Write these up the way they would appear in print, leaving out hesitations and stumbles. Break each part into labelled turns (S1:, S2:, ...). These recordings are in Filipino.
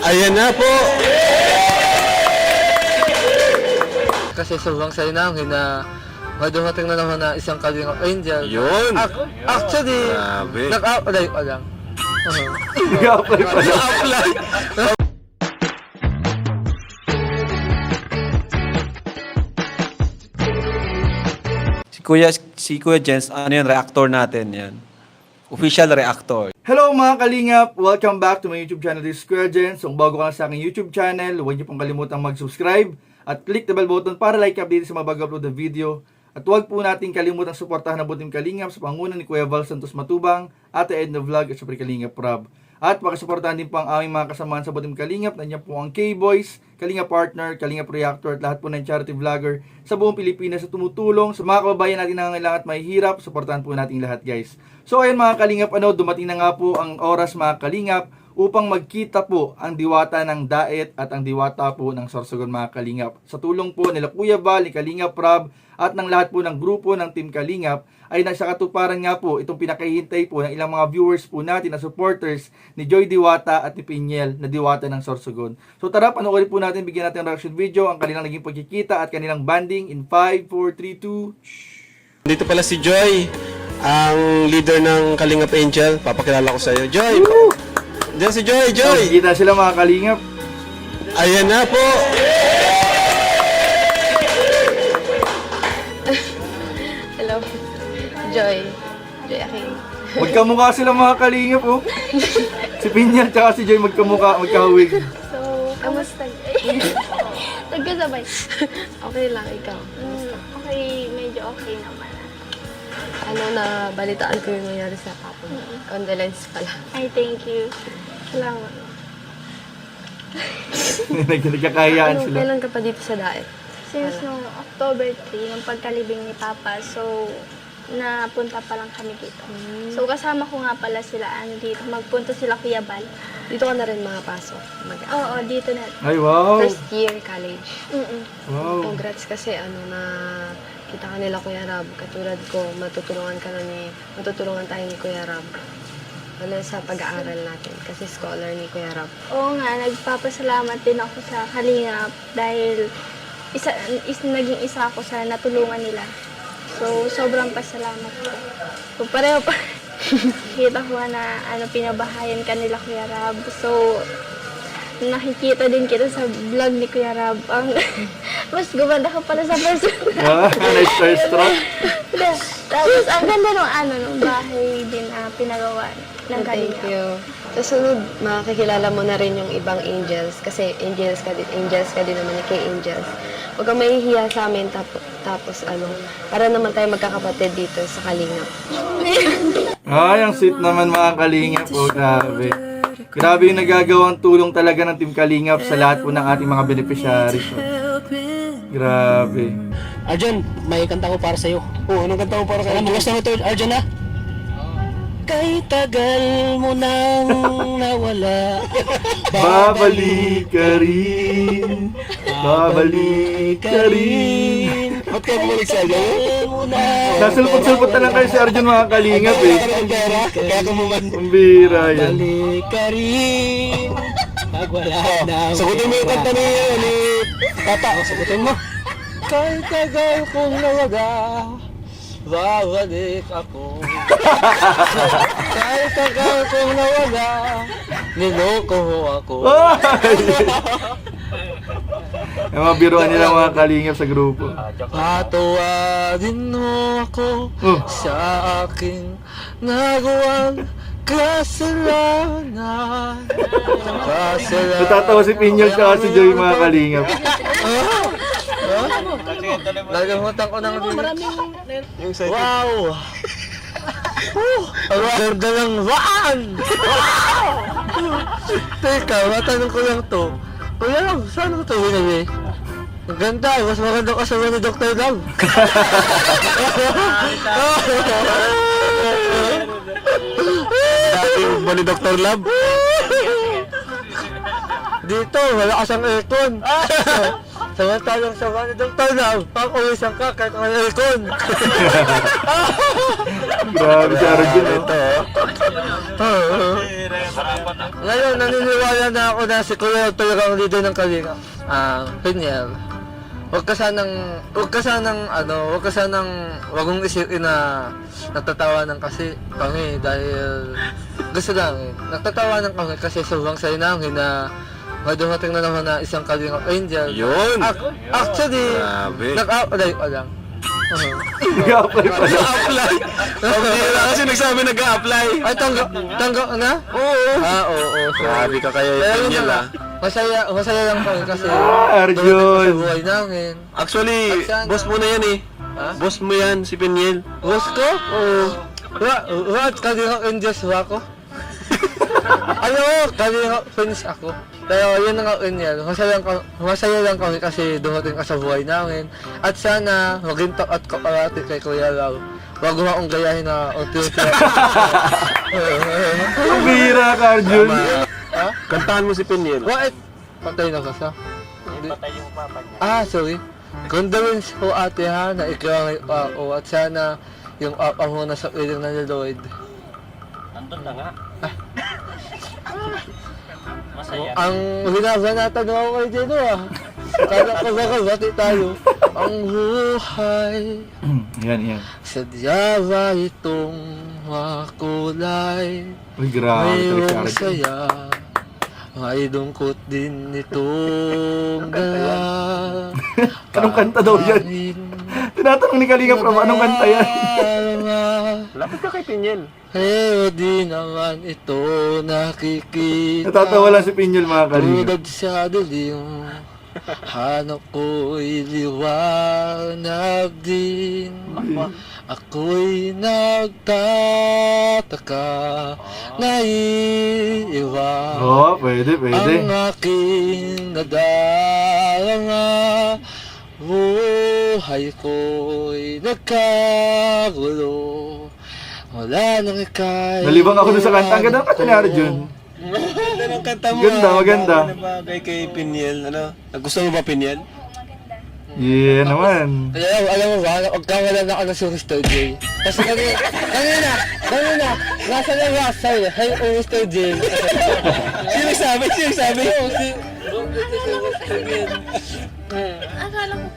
S1: Ayan na po.
S2: Kasi sobrang saya namin na may dumating na naman na isang Kalingap Angel.
S1: Yun.
S2: Actually,
S1: Grabe.
S2: nag-apply pa lang.
S3: Nag-apply pa lang.
S1: Apply.
S3: Si Kuya Jens, ano yun, reactor natin yan. Official reactor. Hello mga Kalingap! Welcome back to my YouTube channel, this is Kuya Jens. Kung bago ka lang sa aking YouTube channel, huwag niyo pong kalimutang mag-subscribe at click the bell button para like update sa mga bago-upload na video. At huwag po natin kalimutang suportahan ang Butim Kalingap sa pangunan ni Kuya Val Santos Matubang, Ate Edna Vlog at syempre Kalingap Rob. At pakisuportahan din po ang aming mga kasamahan sa Butim Kalingap. Nandiyan po ang K-Boys, Kalingap Partner, Kalingap Reactor at lahat po ng charity vlogger sa buong Pilipinas na tumutulong sa mga kababayan natin na nangangailangan at mahihirap. Suportahan po natin lahat, guys. So ayun mga Kalingap, dumating na nga po ang oras mga Kalingap upang magkita po ang diwata ng Daet at ang diwata po ng Sorsogon mga Kalingap. Sa tulong po nila Kuya Val, ni Kalingap Rob at ng lahat po ng grupo ng Team Kalingap ay nasa katuparan nga po itong pinakahihintay po ng ilang mga viewers po natin na supporters ni Joy Diwata at ni Pinyel na diwata ng Sorsogon. So tara, panoorin po natin, bigyan natin ng reaction video ang kanilang naging pagkikita at kanilang banding in 5, 4, 3, 2.
S1: Dito pala si Joy, ang leader ng Kalingap Angel. Papakilala ko sa iyo. Joy! Diyan si Joy! Joy!
S3: Kita sila mga Kalingap.
S1: Ayan na po!
S4: Hello. Joy Aking.
S3: Magkamukha sila mga Kalingap, oh. Si Pinyel tsaka si Joy magkamukha, magkahawig.
S4: So, kamusta? Nagkasabay. Okay lang, ikaw. Okay, medyo okay naman. Ano, na balitaan ko yung nangyari sa papa mo. Condolence pala.
S5: Ay, thank you. Salamat.
S3: Nagkakahiyaan
S4: Ano,
S3: sila.
S4: kailan ka pa dito sa Daet?
S5: Since nung October 3, nung pagkalibing ni Papa, so, napunta pa lang kami dito. So, kasama ko nga pala sila, dito. Magpunta sila Kuya Bal.
S4: Dito ka na rin mga pasok.
S5: Oo, dito na.
S3: Ay, wow.
S4: First year college.
S3: Wow.
S4: Congrats kasi na kita ka nila Kuya Rab. Katulad ko, matutulungan tayo ni Kuya Rab. Wala sa pag-aaral natin kasi scholar ni Kuya Rab.
S5: Oo nga, nagpapasalamat din ako sa Kalingap dahil naging isa ako sa natulungan nila. So, sobrang pasalamat ko. So, pareho pa. Kita ko na pinabahayan ka nila Kuya Rab. So, nakikita din kita sa vlog ni Kuya Rab. Mas gumanda ka pala sa person.
S3: Nice starstruck.
S5: Tapos, ang ganda nung bahay din pinagawa ng
S4: Thank
S5: Kalingap.
S4: you. Sa sunod, makakilala mo na rin yung ibang angels kasi angels ka din naman ni kay angels. Huwag kang mahihiya sa amin tapos para naman tayo magkakapatid dito sa Kalingap.
S3: Ay, ang sweet naman mga Kalingap. Oh, grabe. Grabe yung nagagawang tulong talaga ng Team Kalingap sa lahat po ng ating mga beneficiaries. Oh. Grabe.
S6: Arjan, may kanta ko para sa'yo.
S1: Oh, anong kanta mo para
S6: Alam mo, gusto mo ito, Arjan, ha? Kay tagal mo nang nawala.
S3: Babalik ka rin. Babalik ka rin.
S1: Ba't ka bumalik sa Arjan?
S3: Nasulpot-sulpot na lang kayo si Arjun mga Kalingap eh.
S6: Ang pera, kaya kumuman.
S3: Ang bira yan.
S6: Balik ka rin. Pag wala na.
S1: Sagutin mo yung kanta ni
S6: Papa, sagutin mo. Kay tagal kong nawaga. Babalik ako. Kay tagal kong nawaga. Niloko ako.
S3: Yung mga biruan nila mga Kalingap sa grupo.
S6: Patawadin mo ako sa aking nagawang kasalanan.
S3: Natatawa si Pinyol at si Joy mga Kalingap.
S2: Nagalimutan ko ng
S1: Yung second.
S6: Wow! Ang ganda ng waan! Wow! Teka, matanong ko lang to. Kuya lang, saan ko ito binili? Ang ganda, mas maganda ka sa ni Dr. Love.
S1: Dati ba ni Dr. Love?
S6: Dito, wala ka siyang aircon.
S2: Samantalang sama ni Dr. Lam, ako isang kakay ng aircon.
S3: Grabe si Arjun, oh.
S2: Ngayon, naniniwala na ako na si Kuya talaga ang leader ng Kalinga. Pinyel. Huwag ka sanang wagong isipin na natatawanan kasi kami dahil gusto namin. Natatawanan kami kasi sobrang saya namin na may dumating na naman na isang Kalinga Angel.
S1: Yun!
S2: Actually,
S1: Grabe.
S2: nag-apply pa lang.
S3: Nag-apply pa lang.
S1: Nag-a-apply. Pabira kasi nagsabi nag-a-apply.
S2: Ay, tanggap na?
S1: Oo.
S2: Oo.
S1: Grabe ka kaya
S2: Pero
S1: yung
S2: yun
S1: Pinyel,
S2: na, masaya lang kami kasi
S3: Arjun.
S2: dumating sa buhay namin.
S1: Actually, boss mo na yan eh.
S2: Ha?
S1: Boss mo yan, si Pinyel.
S2: Boss ko? Oo. What? Kalinga Angels ba ako? Ano? Kalinga Pins ako. Pero yun na nga yun. Masaya lang kami kasi dumating ka sa buhay namin. At sana maging at kaparati kay Kuya Lau. Wag mo akong gayahin na unti-unti.
S3: Ang bihira ka, Arjun.
S2: Ha?
S1: Kantahan mo si Pinyel.
S2: What? Patay na ka sa? Patay yung papa niya. Sorry. Condolence po ate ha, na ikaw ang pao at sana yung papa mo na sa piling na ni Lloyd.
S6: Nandun na nga. Masaya.
S2: Ang hinabanatan mo ako kay Jeno ah. Kala ko baka bati tayo. Ang buhay,
S3: Yan.
S2: sadya ba itong makulay?
S3: Uy, grabe talaga si
S2: Mayroong
S3: Arjun.
S2: saya, may dungkot din itong dala.
S3: Anong kanta daw yan? Tinatanong ni Kalinga Prab, anong kanta yan?
S1: Lapit ka kay Pinyel.
S2: Pero di naman ito nakikita.
S3: Natatawa lang si Pinyel, mga Kalinga.
S2: Tulad sa dilim, hanap ko'y liwanag din. Ako'y nagtataka, naiiwan.
S3: Oo, pwede.
S2: Ang aking nadarama, buhay ko'y nagkagulo. Wala nang ikay.
S3: Nalibang ako dun sa kanta. Ang ganda ng kanta ni Arjun.
S1: Ganda ng kanta mo.
S3: Ganda, maganda.
S1: Bagay kay Pinyel. Ano? Gusto mo ba Pinyel?
S3: Yeah naman.
S2: Alam mo ba, magkawala na ako ng si Mr. J. Kasi kanina, nasa na ba sa'yo, hey, Mr. J.
S1: Sino sabi?
S2: Oo, si...
S5: Akala ko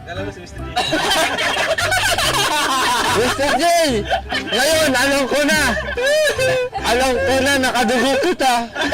S2: Mr. J! Ngayon, alam ko na! Nakadugo kita!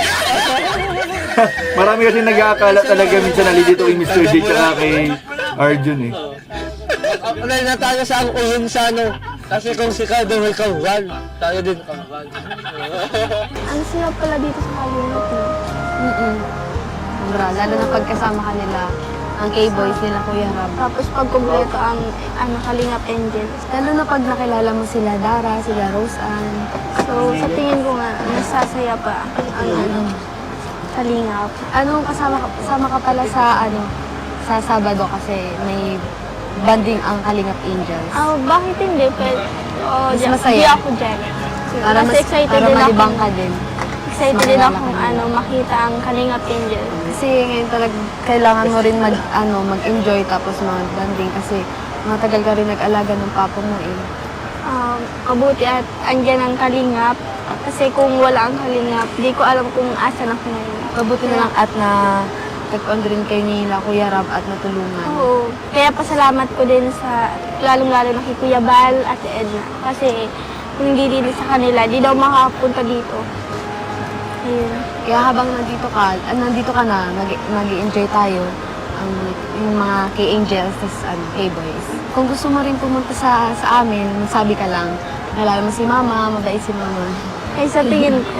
S3: Marami kasi nag-aakala talaga minsan nalilito kay Mr. J tsaka kay Arjun eh.
S2: Alay na tayo sa ang ulong sa ano. Kasi kung si Cardo may kawal, tayo din kawal.
S5: ang sarap pala dito sa Kalingap, no?
S4: Sobra, lalo na pagkasama ka nila, ang K-boys nila, Kuya Rab.
S5: Tapos pag kumpleto ang Kalingap Angels.
S4: Lalo na pag nakilala mo sila Dara, sila Rose Ann.
S5: So, sa tingin ko nga, nasasaya pa ang Kalingap.
S4: Kasama ka pala sa sa Sabado kasi may banding ang Kalingap Angels.
S5: Bakit hindi? Pero,
S4: Mas masaya.
S5: Di ako dyan.
S4: Para
S5: Kasi excited
S4: para
S5: din
S4: malibang
S5: ako.
S4: ka din.
S5: Excited din
S4: Makilala
S5: akong
S4: ka din.
S5: makita ang Kalingap Angels.
S4: Kasi ngayon talaga kailangan mo rin mag-enjoy tapos mag-banding kasi matagal ka rin nag-alaga ng papa mo eh.
S5: Mabuti at andyan ang Kalingap. Kasi kung wala ang Kalingap, di ko alam kung asan ako ngayon.
S4: Mabuti na lang at na tag-on rin kayo nila Kuya Rab at natulungan.
S5: Oo. Kaya pasalamat ko din sa, lalong-lalo na kay Kuya Bal at si Edna. Kasi kung hindi din sa kanila, di daw makapunta dito. Ayun.
S4: Kaya habang nandito ka na, mag-enjoy tayo yung mga K-Angels, K-Boys. Kung gusto mo rin pumunta sa amin, magsabi ka lang. Nalala mo si Mama, mabait si Mama.
S5: Ay, sa tingin ko.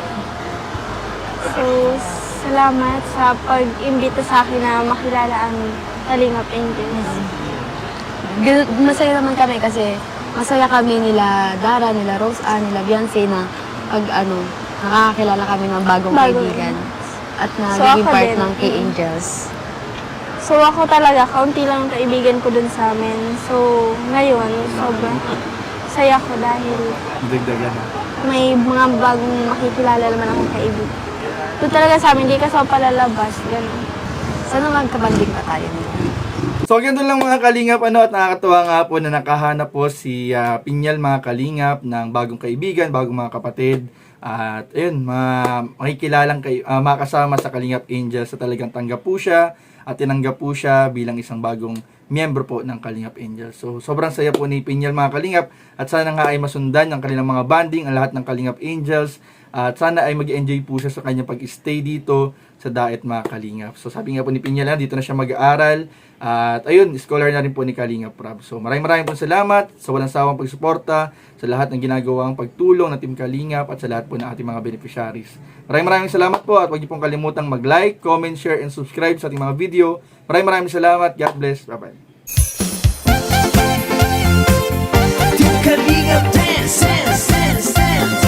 S5: So, salamat sa pag-imbita sa akin na makilala ang Kalingap Angels.
S4: Masaya naman kami kasi masaya kami nila Dara, nila Rose Ann, nila Beyonce na pag nakakakilala kami ng bagong kaibigan. At
S5: So,
S4: nagiging
S5: ako
S4: part
S5: din.
S4: ng K-Angels.
S5: So, ako talaga, kaunti lang ang kaibigan ko dun sa amin. So, ngayon, sobrang saya ko dahil
S3: Dagdagan.
S5: may mga bagong makikilala naman akong kaibigan. Doon talaga sa amin, hindi ka sa palalabas. Ganun.
S7: Sana magkabanding pa tayo nito.
S3: So ganito lang mga kalingap, at nakakatuwa nga po na nakahanap po si Pinyal mga kalingap ng bagong kaibigan, bagong mga kapatid. At ayun, makikilalang makasama sa Kalingap Angels sa talagang tanggap po siya at tinanggap po siya bilang isang bagong miyembro po ng Kalingap Angels. So sobrang saya po ni Pinyal mga kalingap, at sana nga ay masundan ng kanilang mga banding ang lahat ng Kalingap Angels, at sana ay mag-enjoy po siya sa kanyang pag-stay dito sa Daet mga kalingap. So sabi nga po ni Pinyal, dito na siya mag-aaral. At ayun, scholar na rin po ni Kalingap Prab. So maraming po salamat sa walang sawang pagsuporta, sa lahat ng ginagawang pagtulong ng Team Kalingap, at sa lahat po ng ating mga beneficiaries. Maraming salamat po, at huwag niyo pong kalimutang mag-like, comment, share, and subscribe sa ating mga video. Maraming salamat. God bless. Bye-bye.
S8: Team Kalingap dance, dance, dance, dance.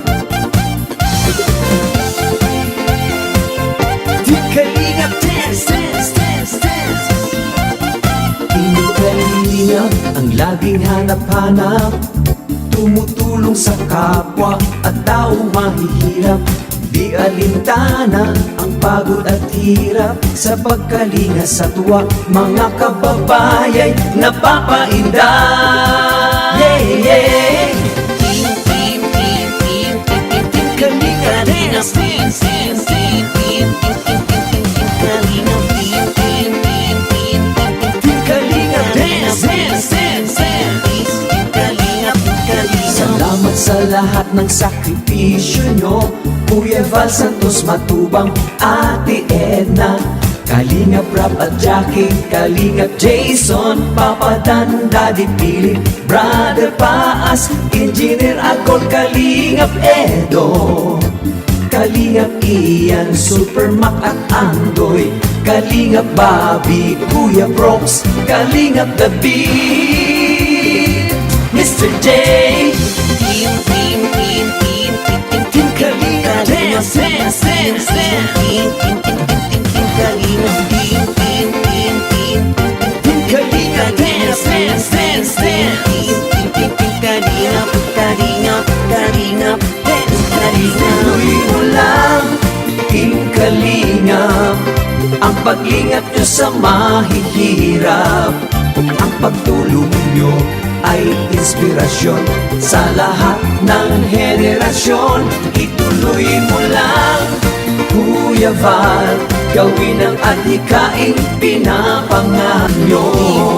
S8: Team Kalingap dance, dance, dance, dance. Team Kalingap ang laging hanap-hanap, tumutulong sa kapwa at tao mahihirap. Di alintana ang pagod at hirap, sa pagkalinga sa tuwa mga kababayay napapainda. Yeah, yeah. Team, team, team, team, team, team, team, Kalingap dance, dance, dance, dance, team, team, team, team, team, team, Kalingap, team, team, team, team, team, team, Kalingap dance, dance, dance, dance, team, Kalingap, Kalingap. Salamat sa lahat ng sakripisyo nyo, Kuya Val Santos Matubang, Ate Edna, Kalingap Rap at Jackie, Kalingap Jason, Papa Dan, Daddy Philip, Brother Paas, Engineer Agol, Kalingap Edo, Kalingap Ian, Super Mac at Andoy, Kalingap Bobby, Kuya Brox, Kalingap The Beat, Mr. J. Team, team, team, team, team, team, team, Kalingap dance, dance, dance, dance. Team, team, team, team, team, team, Kalingap, team, team, team, team, team, Kalingap dance, dance, dance, dance. Team, team, team, team, Kalingap, Kalingap, Kalingap dance, Kalingap. Tuloy mo lang, Team Kalingap, ang paglingap nyo sa mahihirap, ang pagtulong nyo ay inspirasyon sa lahat ng henerasyon. Ituloy mo lang, Kuya Val, gawin ang adhikaing pinapangarap nyo.